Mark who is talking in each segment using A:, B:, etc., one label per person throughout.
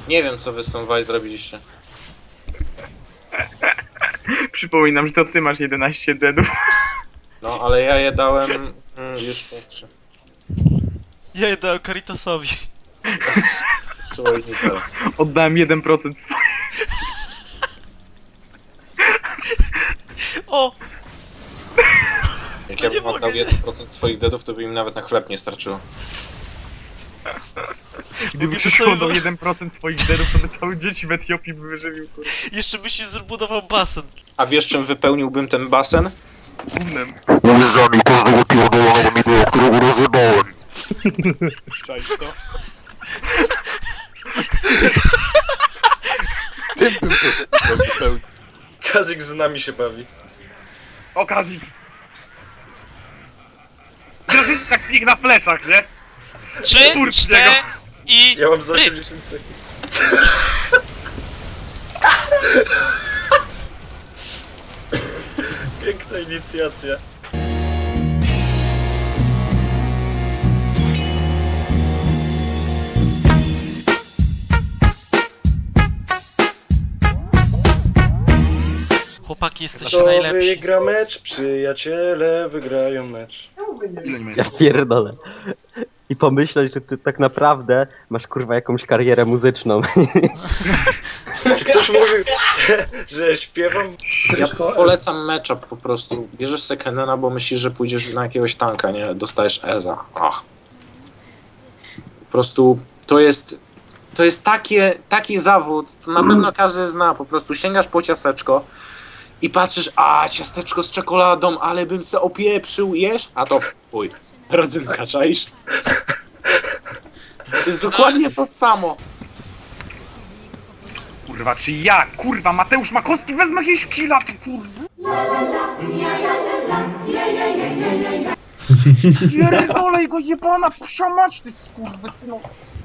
A: Nie wiem, co wy z tą Waj zrobiliście.
B: Przypominam, że to ty masz 11 deadów.
A: No, ale ja je dałem... już patrzę.
C: Ja je dałem Caritasowi.
A: Słuchaj, nie teraz.
B: Oddałem 1% swoich.
C: O!
A: Jak
C: No
A: ja
C: nie
A: bym oddał
C: mogę.
A: 1% swoich deadów, to by im nawet na chleb nie starczyło.
B: Gdyby
C: Mogę
B: przyszło
C: sobie
B: do
C: wy-
B: 1% swoich deadów, to by całe dzieci w Etiopii by wyżywił, kurwa.
C: Jeszcze byś się zbudował basen.
A: A wiesz, czym wypełniłbym ten basen?
B: Gównem.
D: Łzami każdego pierdolonego minęło, którego rozjebałem.
A: Cześć to. Tym bym to wypełnił.
E: Kazik z nami się bawi.
B: O, Kazix! Teraz jest tak pik na fleszach, nie?
C: 3,
B: Kurcz
C: 4
B: niego.
C: i...
E: Ja mam za 80 sekund. Piękna inicjacja.
C: Chłopaki, jesteście
E: Kto
C: najlepsi.
E: wygra mecz? Przyjaciele wygrają mecz.
B: Ile nie ma?
F: Ja pierdolę. I pomyśleć, że ty tak naprawdę masz kurwa jakąś karierę muzyczną.
E: Czy ktoś mówił, że śpiewam?
A: Ja polecam matchup po prostu. Bierzesz Sekhenena, bo myślisz, że pójdziesz na jakiegoś tanka, nie? Dostajesz Eza. Ach. Po prostu to jest taki zawód, to na pewno każdy zna. Po prostu sięgasz po ciasteczko i patrzysz, a ciasteczko z czekoladą, ale bym se opieprzył, jesz? A to uj, rodzynka, czaisz? To jest dokładnie to samo.
B: Kurwa, czy ja, kurwa, Mateusz Makowski wezmę jakieś killa, ty kurwa. Pierdolej go jebana, psia mać, ty skurwysyno.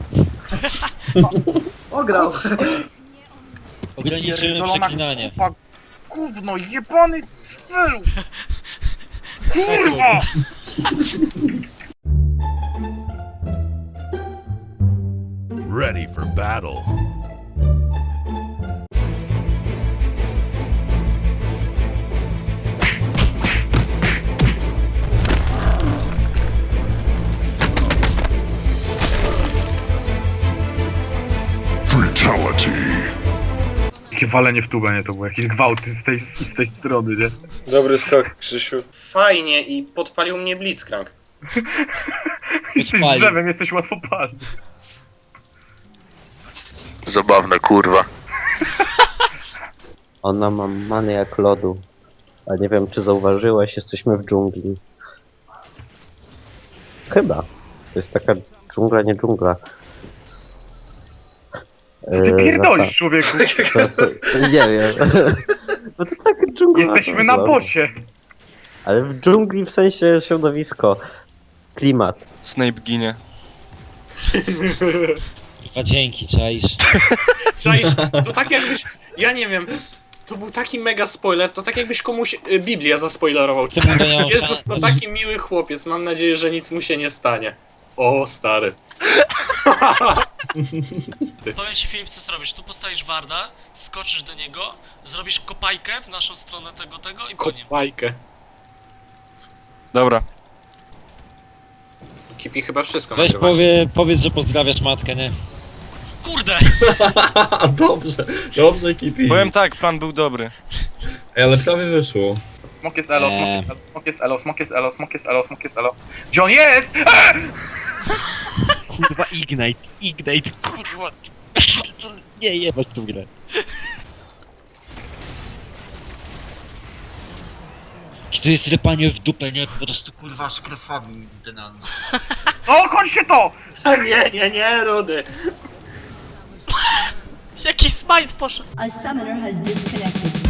G: Ograł.
H: Ograniczyłem
B: Pierdolona
H: przeklinanie.
B: kupa, gówno, jebany cwelu. Kurwa!
I: Ready for battle. Fatality.
B: Jakie walenie w tubę, nie? To było jakieś gwałty z tej strony, nie?
E: Dobry skok, Krzysiu.
A: Fajnie i podpalił mnie Blitzcrank.
B: Jesteś
H: Odpalił.
B: drzewem, jesteś łatwopalny.
D: Zabawne, kurwa.
F: Ona ma manę jak lodu. A nie wiem, czy zauważyłeś, jesteśmy w dżungli. Chyba. To jest taka dżungla, nie dżungla.
B: Ty pierdolisz, człowieku.
F: Nie wiem. Bo to tak dżungla.
B: Jesteśmy na bocie.
F: Ale w dżungli w sensie środowisko. Klimat.
C: Snape ginie.
H: Kurwa, dzięki, czaisz.
A: Czaisz, to tak jakbyś, ja nie wiem, to był taki mega spoiler, to tak jakbyś komuś Biblię zaspoilerował.
H: Ty mu nie miał
A: Jezus, to
H: szans.
A: taki miły chłopiec, mam nadzieję, że nic mu się nie stanie. O, stary.
C: Powiem ci, Filip, co zrobisz. Tu postawisz Warda, skoczysz do niego, zrobisz kopajkę w naszą stronę tego i po nim.
A: Kopajkę.
C: Dobra.
A: Kipi chyba wszystko
H: Weź
A: nagrywa.
H: powiedz, że pozdrawiasz matkę, nie?
C: Kurde!
G: Dobrze, dobrze, Kipi.
C: Powiem tak, plan był dobry.
G: Ej, ale prawie wyszło.
B: Smok jest elo, smok jest elo, smok jest elo, smok jest elo, smok jest elo. Gdzie on jest?
H: Kurwa, Ignite, kurwa. Nie jebać tą grę. Czy to jest rypanie w dupę, nie? Po prostu kurwa z krewami denan.
B: O, kończcie to!
A: A nie, Rudy.
C: Jaki smite poszedł!
J: A summoner has disconnected.